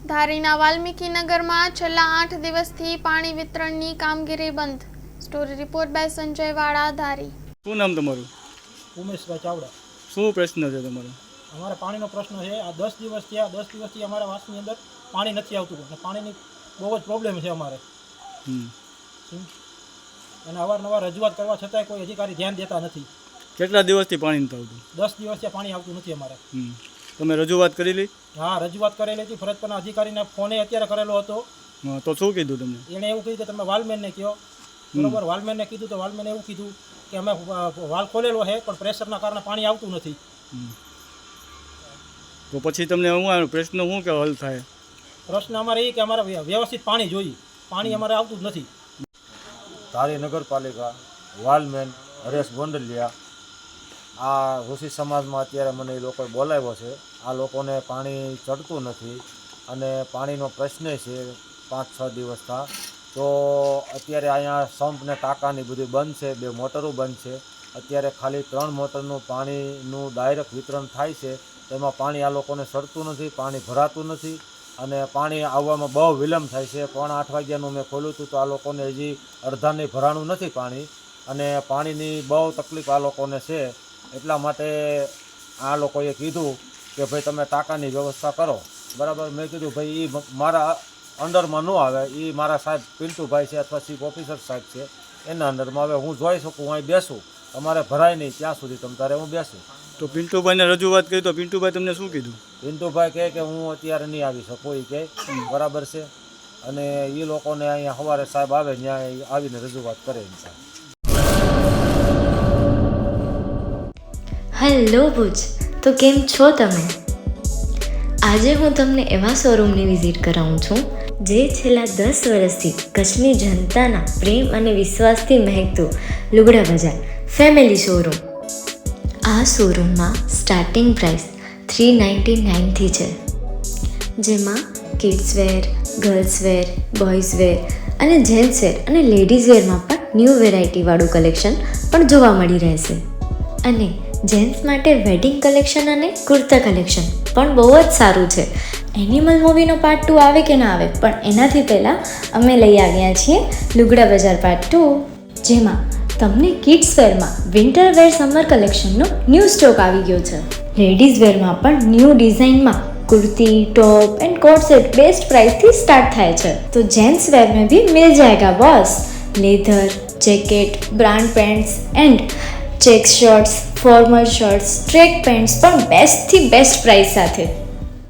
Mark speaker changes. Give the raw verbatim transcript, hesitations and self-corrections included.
Speaker 1: ધારીના વાલ્મીકી નગરમાં છેલ્લા આઠ દિવસથી પાણી વિતરણની કામગીરી બંધ. સ્ટોરી રિપોર્ટ બાય સંજય વાળા, ધારી.
Speaker 2: શું નામ તમારું?
Speaker 3: ઉમેશભાઈ ચાવડા.
Speaker 2: શું પ્રશ્ન છે તમારો?
Speaker 3: અમારે પાણીનો પ્રશ્ન છે. આ દસ દિવસ થયા દસ દિવસથી અમારા વાસની અંદર પાણી નથી આવતું અને પાણીની બહુ જ પ્રોબ્લેમ છે અમારે. અને અવારનવાર રજૂઆત કરવા છતાંય કોઈ અધિકારી ધ્યાન દેતા નથી.
Speaker 2: કેટલા દિવસથી પાણી નથી આવતું?
Speaker 3: દસ દિવસથી પાણી આવતું નથી અમારે.
Speaker 2: તમે રજૂઆત કરેલી?
Speaker 3: હા, રજૂઆત કરેલી હતી. ફરજ પરના અધિકારીને ફોને અત્યારે કરેલો હતો.
Speaker 2: તો શું કીધું તમને?
Speaker 3: એણે એવું કીધું કે તમે વાલમેનને કહો. બરોબર, વાલમેનને કીધું તો વાલમેને એવું કીધું કે અમે વાલ ખોલેલો છે પણ પ્રેશરના કારણે પાણી આવતું નથી.
Speaker 2: તો પછી તમને શું પ્રશ્ન શું કે હલ થાય?
Speaker 3: પ્રશ્ન અમારે એ કે અમારે વ્યવસ્થિત પાણી જોઈએ. પાણી અમારે આવતું જ નથી.
Speaker 4: ધારી નગરપાલિકા, વાલમેન હરેશ ગોંડલિયા, આ ઋષિ સમાજમાં અત્યારે મને એ લોકોએ બોલાવ્યો છે. આ લોકોને પાણી ચડતું નથી અને પાણીનો પ્રશ્ન છે પાંચ છ દિવસ થા. તો અત્યારે અહીંયા સંપ ને ટાંકાની બધી બંધ છે, બે મોટરો બંધ છે. અત્યારે ખાલી ત્રણ મોટરનું પાણીનું ડાયરેક્ટ વિતરણ થાય છે. તેમાં પાણી આ લોકોને ચડતું નથી, પાણી ભરાતું નથી અને પાણી આવવામાં બહુ વિલંબ થાય છે. પોણા આઠ વાગ્યાનું મેં ખોલ્યું હતું તો આ લોકોને હજી અડધાને ભરાણું નથી પાણી અને પાણીની બહુ તકલીફ આ લોકોને છે. એટલા માટે આ લોકોએ કીધું કે ભાઈ તમે ટાંકાની વ્યવસ્થા કરો. બરાબર, મેં કીધું ભાઈ એ મારા અંડરમાં ન આવે, એ મારા સાહેબ પિન્ટુભાઈ છે અથવા ચીફ ઓફિસર સાહેબ છે એના અંડરમાં. હવે હું જોઈ શકું, હું અહીં બેસું, તમારે ભરાય નહીં ત્યાં સુધી તમ તારે હું બેસું.
Speaker 2: તો પિન્ટુભાઈને રજૂઆત કરી તો પિન્ટુભાઈ તમને શું કીધું?
Speaker 4: પિન્ટુભાઈ કહે કે હું અત્યારે નહીં આવી શકું, એ કહે બરાબર છે. અને એ લોકોને અહીંયા સવારે સાહેબ આવે ત્યાં આવીને રજૂઆત કરે.
Speaker 5: હેલો ભુજ, તો કેમ છો તમે? આજે હું તમને એવા શોરૂમની વિઝિટ કરાવું છું જે છેલ્લા દસ વર્ષથી કચ્છની જનતાના પ્રેમ અને વિશ્વાસથી મહેકતું લુગડા બજાર ફેમિલી શોરૂમ. આ શોરૂમમાં સ્ટાર્ટિંગ પ્રાઇસ થ્રી નાઇન્ટી નાઇનથી છે, જેમાં kids wear, girls wear, boys wear અને જેન્ટ્સ વેર અને લેડીઝ વેરમાં પણ ન્યૂ વેરાયટીવાળું કલેક્શન પણ જોવા મળી રહેશે. અને જેન્ટ્સ માટે વેડિંગ કલેક્શન અને કુર્તા કલેક્શન પણ બહુ જ સારું છે. એનિમલ મૂવીનો પાર્ટ ટુ આવે કે ના આવે, પણ એનાથી પહેલાં અમે લઈ આવ્યા છીએ લુગડા બજાર પાર્ટ ટુ, જેમાં તમને કિડ્સ વેરમાં વિન્ટર વેર સમર કલેક્શનનો ન્યૂ સ્ટોક આવી ગયો છે. લેડીઝ વેરમાં પણ ન્યૂ ડિઝાઇનમાં kurti, top and coat set best price थी स्टार्ट थाय छे. तो जेंट्स वेर में भी मिल जाएगा boss. Leather, jacket, brand pants and check shirts, formal shirts, track pants પણ બેસ્ટ થી બેસ્ટ પ્રાઇસ સાથે.